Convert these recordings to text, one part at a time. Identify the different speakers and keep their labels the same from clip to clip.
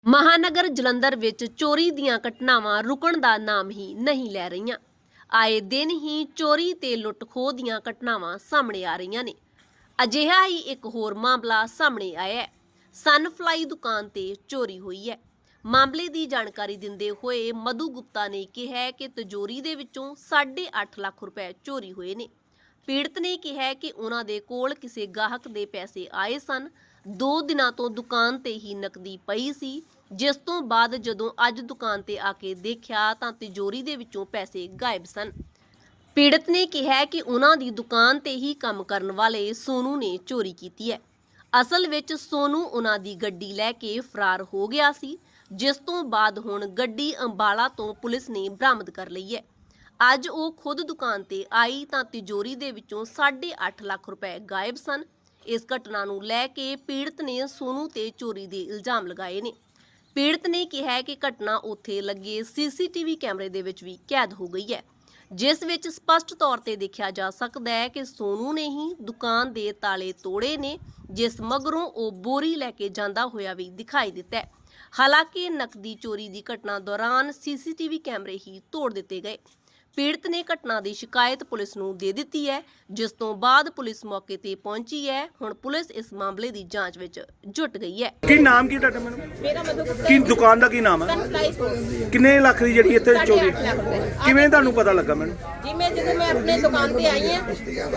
Speaker 1: ਮਹਾਨਗਰ ਜਲੰਧਰ ਵਿੱਚ ਚੋਰੀ ਦੀਆਂ ਘਟਨਾਵਾਂ ਰੁਕਣ ਦਾ ਨਾਮ ਹੀ ਨਹੀਂ ਲੈ ਰਹੀਆਂ। ਆਏ ਦਿਨ ਹੀ ਚੋਰੀ ਤੇ ਲੁੱਟ-ਖੋਹ ਦੀਆਂ ਘਟਨਾਵਾਂ ਸਾਹਮਣੇ ਆ ਰਹੀਆਂ ਨੇ। ਅਜਿਹਾ ਹੀ ਇੱਕ ਹੋਰ ਮਾਮਲਾ ਸਾਹਮਣੇ ਆਇਆ ਹੈ। ਸਨਫਲਾਈ ਦੁਕਾਨ ਤੇ ਚੋਰੀ ਹੋਈ ਹੈ। ਮਾਮਲੇ ਦੀ ਜਾਣਕਾਰੀ ਦਿੰਦੇ ਹੋਏ ਮਧੂ ਗੁਪਤਾ ਨੇ ਕਿਹਾ ਕਿ ਤਿਜੋਰੀ ਦੇ ਵਿੱਚੋਂ 8.5 ਲੱਖ ਰੁਪਏ ਚੋਰੀ ਹੋਏ ਨੇ। ਪੀੜਤ ਨੇ ਕਿਹਾ ਕਿ ਉਹਨਾਂ ਦੇ ਕੋਲ ਕਿਸੇ ਗਾਹਕ ਦੇ ਪੈਸੇ ਆਏ ਸਨ। 2 ਦਿਨਾਂ ਤੋਂ ਦੁਕਾਨ ਤੇ ਹੀ ਨਕਦੀ ਪਈ ਸੀ, ਜਿਸ ਤੋਂ ਬਾਅਦ ਜਦੋਂ ਅੱਜ ਦੁਕਾਨ ਤੇ ਆ ਕੇ ਦੇਖਿਆ ਤਾਂ ਤਿਜੋਰੀ ਦੇ ਵਿੱਚੋਂ ਪੈਸੇ ਗਾਇਬ ਸਨ। ਪੀੜਤ ਨੇ ਕਿਹਾ ਕਿ ਉਹਨਾਂ ਦੀ ਦੁਕਾਨ ਤੇ ਹੀ ਕੰਮ ਕਰਨ ਵਾਲੇ ਸੋਨੂ ਨੇ ਚੋਰੀ ਕੀਤੀ ਹੈ। ਅਸਲ ਵਿੱਚ ਸੋਨੂ ਉਹਨਾਂ ਦੀ ਗੱਡੀ ਲੈ ਕੇ ਫਰਾਰ ਹੋ ਗਿਆ ਸੀ, ਜਿਸ ਤੋਂ ਬਾਅਦ ਹੁਣ ਗੱਡੀ ਅੰਬਾਲਾ ਤੋਂ ਪੁਲਿਸ ਨੇ ਬਰਾਮਦ ਕਰ ਲਈ ਹੈ। ਅੱਜ ਉਹ ਖੁਦ ਦੁਕਾਨ ਤੇ ਆਈ ਤਾਂ ਤਿਜੋਰੀ ਦੇ ਵਿੱਚੋਂ 8.5 ਲੱਖ ਰੁਪਏ ਗਾਇਬ ਸਨ। ਇਸ ਘਟਨਾ ਨੂੰ ਲੈ ਕੇ ਪੀੜਤ ਨੇ ਸੋਨੂ ਤੇ ਚੋਰੀ ਦੇ ਇਲਜ਼ਾਮ ਲਗਾਏ ਨੇ। ਪੀੜਤ ਨੇ ਕਿਹਾ ਕਿ ਘਟਨਾ ਉੱਥੇ ਲੱਗੇ ਸੀਸੀਟੀਵੀ ਕੈਮਰੇ ਦੇ ਵਿੱਚ ਵੀ ਕੈਦ ਹੋ ਗਈ ਹੈ, ਜਿਸ ਵਿੱਚ ਸਪਸ਼ਟ ਤੌਰ ਤੇ ਦੇਖਿਆ ਜਾ ਸਕਦਾ ਹੈ ਕਿ ਸੋਨੂ ਨੇ ਹੀ ਦੁਕਾਨ ਦੇ ਤਾਲੇ ਤੋੜੇ ਨੇ, ਜਿਸ ਮਗਰੋਂ ਉਹ ਬੋਰੀ ਲੈ ਕੇ ਜਾਂਦਾ ਹੋਇਆ ਵੀ ਦਿਖਾਈ ਦਿੱਤਾ ਹੈ। ਹਾਲਾਂਕਿ ਨਕਦੀ ਚੋਰੀ ਦੀ ਘਟਨਾ ਦੌਰਾਨ ਸੀਸੀਟੀਵੀ ਕੈਮਰੇ ਹੀ ਤੋੜ ਦਿੱਤੇ ਗਏ। ਪੀੜਤ ਨੇ ਘਟਨਾ ਦੀ ਸ਼ਿਕਾਇਤ ਪੁਲਿਸ ਨੂੰ ਦੇ ਦਿੱਤੀ ਹੈ, ਜਿਸ ਤੋਂ ਬਾਅਦ ਪੁਲਿਸ ਮੌਕੇ ਤੇ ਪਹੁੰਚੀ ਹੈ। ਹੁਣ ਪੁਲਿਸ ਇਸ ਮਾਮਲੇ ਦੀ ਜਾਂਚ ਵਿੱਚ ਜੁਟ ਗਈ ਹੈ।
Speaker 2: ਕੀ ਨਾਮ ਕੀ ਤੁਹਾਡਾ? ਮੈਨੂੰ
Speaker 3: ਮੇਰਾ ਮਧੂ ਗੁਪਤਾ
Speaker 2: ਕੀ ਦੁਕਾਨ ਦਾ ਕੀ ਨਾਮ ਹੈ?
Speaker 3: Sunfly store.
Speaker 2: ਕਿੰਨੇ ਲੱਖ ਦੀ ਜਿਹੜੀ ਇੱਥੇ ਚੋਰੀ
Speaker 3: 8.5 ਲੱਖ ਰੁਪਏ।
Speaker 2: ਕਿਵੇਂ ਤੁਹਾਨੂੰ ਪਤਾ ਲੱਗਾ? ਮੈਨੂੰ
Speaker 3: ਜੀ ਜਦੋਂ ਮੈਂ ਆਪਣੇ ਦੁਕਾਨ ਤੇ ਆਈ ਹਾਂ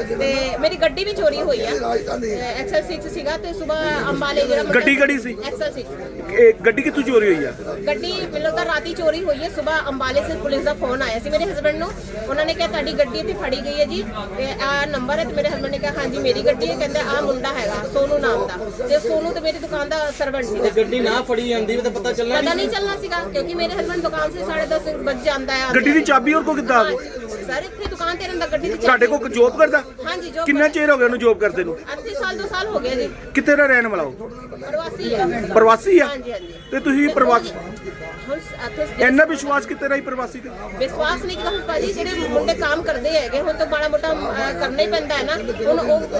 Speaker 3: ਤੇ ਮੇਰੀ ਗੱਡੀ ਵੀ ਚੋਰੀ ਹੋਈ ਹੈ। ਐਕਸਲ 6 ਸੀਗਾ ਤੇ ਸਵੇਰ ਅੰਬਾਲੇ ਜਿਹੜਾ
Speaker 2: ਗੱਡੀ ਕਿਹੜੀ ਸੀ?
Speaker 3: ਐਕਸਲ 6।
Speaker 2: ਇਹ ਗੱਡੀ ਕਿੱਥੋਂ ਚੋਰੀ ਹੋਈ ਆ?
Speaker 3: ਗੱਡੀ ਮੈਨੂੰ ਤਾਂ ਰਾਤੀ ਚੋਰੀ ਹੋਈ ਹੈ। ਸਵੇਰ ਅੰਬਾਲੇ ਸੇ ਪੁਲਿਸ ਦਾ ਫੋਨ ਆਇਆ ਸੀ ਮੇਰੇ ਹਸਬੰਡ ਨੂੰ। ਉਹਨਾਂ ਨੇ ਕਿਹਾ ਤੁਹਾਡੀ ਗੱਡੀ ਇੱਥੇ ਫੜੀ ਗਈ ਹੈ ਜੀ, ਤੇ ਆਹ ਨੰਬਰ ਹੈ। ਤੇ ਮੇਰੇ ਹਸਬੰਡ ਨੇ ਕਿਹਾ ਹਾਂਜੀ ਮੇਰੀ ਗੱਡੀ ਹੈ। ਕਹਿੰਦੇ ਆਹ ਮੁੰਡਾ ਹੈਗਾ ਸੋਨੂ ਨਾਮ ਦਾ, ਤੇ ਸੋਨੂ ਤੇ ਮੇਰੀ ਦੁਕਾਨ ਦਾ ਸਰਵੈਂਟ ਸੀ।
Speaker 4: ਗੱਡੀ ਨਾ ਫੜੀ ਜਾਂਦੀ ਤਾਂ ਪਤਾ
Speaker 3: ਨਹੀਂ ਚੱਲਣਾ ਸੀਗਾ, ਕਿਉਂਕਿ ਮੇਰੇ ਹਸਬੰਡ ਦੁਕਾਨ ਸੇ 10:30 ਵਜੇ ਜਾਂਦਾ ਹੈ।
Speaker 2: ਗੱਡੀ ਦੀ ਚਾਬੀ ਹੋਰ ਕੋ ਕਿੱਦਾਂ ਆ ਗਈ?
Speaker 3: ਸਰ ਇੱਥੇ ਦੁਕਾਨ ਤੇ ਰਹਿੰਦਾ, ਗੱਡੀ ਦੀ
Speaker 2: ਤੁਹਾਡੇ ਕੋਲ ਜੋਬ ਕਰਦਾ?
Speaker 3: ਹਾਂਜੀ ਜੋਬ।
Speaker 2: ਕਿੰਨਾ ਚਿਰ ਹੋ ਗਿਆ ਉਹਨੂੰ ਜੋਬ ਕਰਦੇ ਨੂੰ?
Speaker 3: 8 ਸਾਲ 2 ਸਾਲ ਹੋ ਗਿਆ ਜੀ।
Speaker 2: ਕਿੱਥੇ ਦਾ ਰਹਿਣ ਵਾਲਾ ਉਹ?
Speaker 3: ਪ੍ਰਵਾਸੀ ਹੈ।
Speaker 2: ਪ੍ਰਵਾਸੀ ਆ?
Speaker 3: ਹਾਂਜੀ ਹਾਂਜੀ।
Speaker 2: ਤੇ ਤੁਸੀਂ ਪ੍ਰਵਾਸੀ
Speaker 3: ਹੁਣ ਇੱਥੇ
Speaker 2: ਇੰਨਾ ਵਿਸ਼ਵਾਸ ਕਿਤੇ ਰਹੀ ਪ੍ਰਵਾਸੀ ਤੇ?
Speaker 3: ਵਿਸ਼ਵਾਸ ਨਹੀਂ ਕੀਤਾ ਹੁਣ ਭਾਜੀ, ਜਿਹੜੇ ਮੁੰਡੇ ਕੰਮ ਕਰਦੇ ਹੈਗੇ ਹੁਣ ਤਾਂ ਮਾੜਾ ਮੋਟਾ ਕਰਨਾ ਹੀ ਪੈਂਦਾ ਹੈ ਨਾ। ਹੁਣ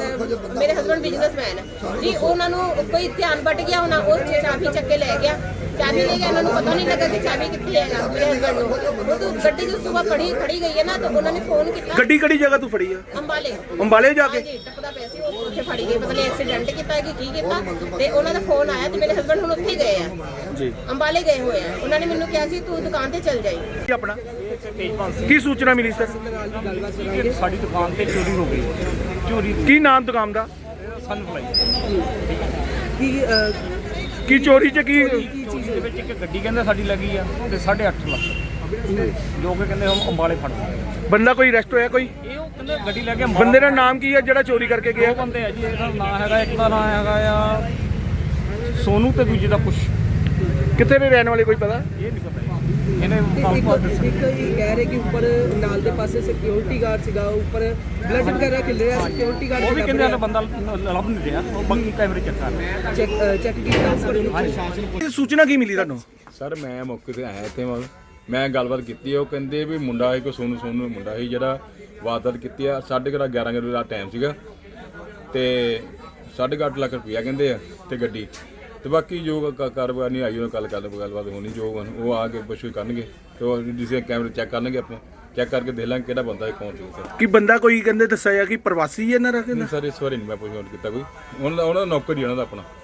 Speaker 3: ਉਹ ਮੇਰੇ ਹਸਬੰਡ ਬਿਜ਼ਨਸਮੈਨ ਹੈ ਜੀ, ਉਹਨਾਂ ਨੂੰ ਕੋਈ ਧਿਆਨ ਵੱਟ ਗਿਆ ਹੋਣਾ, ਉਹ ਚਾਬੀ ਚੱਕ ਕੇ ਲੈ ਗਿਆ। ਚਾਬੀ ਲੈ ਗਿਆ, ਉਹਨਾਂ ਨੂੰ ਪਤਾ ਨਹੀਂ ਲੱਗਾ ਕਿ ਚਾਬੀ ਕਿੱਥੇ ਹੈਗਾ ਮੇਰੇ ਹਸਬੰਡ ਨੂੰ। ਉਹ ਗੱਡੀ ਜੋ ਸਵੇਰ ਖੜੀ ਗਈ ਹੈ ਨਾ, ਤਾਂ ਉਹਨਾਂ ਨੇ ਫੋਨ ਕੀਤਾ।
Speaker 2: ਗੱਡੀ ਕਿਹੜੀ ਜਗ੍ਹਾ ਤੋਂ ਫੜੀ ਆ?
Speaker 3: ਅੰਬਾਲੇ।
Speaker 2: ਅੰਬਾਲੇ ਜਾ ਕੇ?
Speaker 3: ਹਾਂਜੀ ਟੱਪਦਾ ਪਿਆ ਸੀ, ਉਹ ਉੱਥੇ ਫੜੀ ਗਈ। ਪਤਾ ਨਹੀਂ ਐਕਸੀਡੈਂਟ ਕੀਤਾ ਕਿ ਕੀ ਕੀਤਾ, ਤੇ ਉਹਨਾਂ ਦਾ ਫੋਨ ਆਇਆ ਤੇ ਮੇਰੇ ਹਸਬੰਡ ਹੁਣ ਉੱਥੇ ਗਏ ਆ
Speaker 2: ਜੀ,
Speaker 3: ਅੰਬਾਲੇ ਗਏ ਹੋਏ ਆ। ਉਹਨਾਂ ਨੇ ਮੈਨੂੰ ਕਿਹਾ ਸੀ ਤੂੰ ਦੁਕਾਨ ਤੇ ਚੱਲ ਜਾਈ।
Speaker 2: ਕੀ ਆਪਣਾ ਕੀ ਸੂਚਨਾ ਮਿਲੀ ਸਰ?
Speaker 5: ਸਾਡੀ ਦੁਕਾਨ ਤੇ ਚੋਰੀ ਹੋ ਗਈ। ਚੋਰੀ
Speaker 2: ਕੀ ਨਾਮ ਦੁਕਾਨ ਦਾ?
Speaker 5: ਸਨਫਲਾਈ।
Speaker 2: ਕੀ ਚੋਰੀ ਚ ਕੀ?
Speaker 5: ਚੋਰੀ ਦੇ ਵਿੱਚ ਇੱਕ ਗੱਡੀ ਕਹਿੰਦੇ ਸਾਡੀ ਲੱਗੀ ਆ ਤੇ 8.5 ਲੱਖ, ਜੋ ਕਿ ਕਹਿੰਦੇ ਹਮ ਅੰਬਾਲੇ ਫੜ ਲਏ।
Speaker 2: ਬੰਦਾ ਕੋਈ ਅਰੈਸਟ ਹੋਇਆ? ਕੋਈ
Speaker 5: ਇਹ ਉਹ ਕਹਿੰਦੇ ਗੱਡੀ ਲੈ ਕੇ
Speaker 2: ਬੰਦੇ ਦਾ ਨਾਮ ਕੀ ਹੈ ਜਿਹੜਾ ਚੋਰੀ ਕਰਕੇ ਗਿਆ?
Speaker 5: 2 ਬੰਦੇ ਆ ਜੀ। ਇਹਦਾ ਨਾਂ ਹੈਗਾ, ਇੱਕ ਦਾ ਨਾਂ ਹੈਗਾ ਆ ਸੋਨੂ ਤੇ ਦੂਜੇ ਦਾ ਕੁਛ।
Speaker 2: ਕਿੱਥੇ ਦੇ ਰਹਿਣ ਵਾਲੇ ਕੋਈ ਪਤਾ?
Speaker 5: ਇਹ ਨਹੀਂ ਪਤਾ ਜੀ। ਇਹਨੇ ਕਾਲਪਾਲ ਦੱਸਿਆ।
Speaker 6: ਇੱਕ ਇਹ ਕਹਿ ਰਹੇ ਕਿ ਉੱਪਰ ਨਾਲ ਦੇ ਪਾਸੇ ਸਿਕਿਉਰਿਟੀ ਗਾਰਡ ਸੀਗਾ, ਉੱਪਰ ਬਲੱਡ ਵਗੈਰਾ ਖਿਲ ਰਿਹਾ, ਸਿਕਿਉਰਿਟੀ ਗਾਰਡ
Speaker 5: ਉਹ ਵੀ ਕਹਿੰਦੇ ਹਲੇ ਬੰਦਾ ਲੱਭ ਨਹੀਂ ਰਿਹਾ, ਉਹ ਬਾਕੀ ਕੈਮਰੇ ਚੈੱਕ ਕਰ ਰਹੇ।
Speaker 6: ਚੈੱਕ ਕੀਤਾ ਉੱਪਰ ਉਹਨੂੰ।
Speaker 2: ਇਹ ਸੂਚਨਾ ਕੀ ਮਿਲੀ ਤੁਹਾਨੂੰ?
Speaker 7: ਸਰ ਮੈਂ ਮੌਕੇ ਤੇ ਆਇਆ ਇੱਥੇ, ਮੈਂ ਗੱਲਬਾਤ ਕੀਤੀ। ਉਹ ਕਹਿੰਦੇ ਵੀ ਮੁੰਡਾ ਇੱਕ ਸੋਨੂ ਮੁੰਡਾ ਸੀ ਜਿਹੜਾ ਵਾਰਦਾਤ ਕੀਤੀ ਆ। 11:30 ਵਜੇ ਦਾ ਟਾਈਮ ਸੀਗਾ ਤੇ 8.5 ਲੱਖ ਰੁਪਇਆ ਕਹਿੰਦੇ ਆ ਤੇ ਗੱਡੀ, ਤੇ ਬਾਕੀ ਜੋ ਕਾਰੋਬਾਰ ਨਹੀਂ ਆਈ ਉਹਨਾਂ ਗੱਲਬਾਤ ਹੋਣੀ, ਜੋ ਉਹ ਆ ਕੇ ਪੁੱਛ ਕਰਨਗੇ ਤੇ ਉਹ ਜਿਸੇ ਕੈਮਰੇ ਚੈੱਕ ਕਰਨਗੇ, ਆਪਾਂ ਚੈੱਕ ਕਰਕੇ ਦੇਖ ਲਾਂਗੇ ਕਿਹੜਾ ਬੰਦਾ ਕੌਣ ਸੀ ਸਰ।
Speaker 2: ਕੀ ਬੰਦਾ ਕੋਈ ਕਹਿੰਦੇ ਦੱਸਿਆ ਕਿ ਪ੍ਰਵਾਸੀ ਹੈ ਨਾ? ਰੱਖੇ
Speaker 7: ਸਰ ਇਸ ਵਾਰੀ ਨਹੀਂ ਮੈਂ ਪੁੱਛ ਕੀਤਾ ਕੋਈ, ਉਹਨਾਂ ਦਾ ਨੌਕਰ ਹੀ ਉਹਨਾਂ ਦਾ ਆਪਣਾ।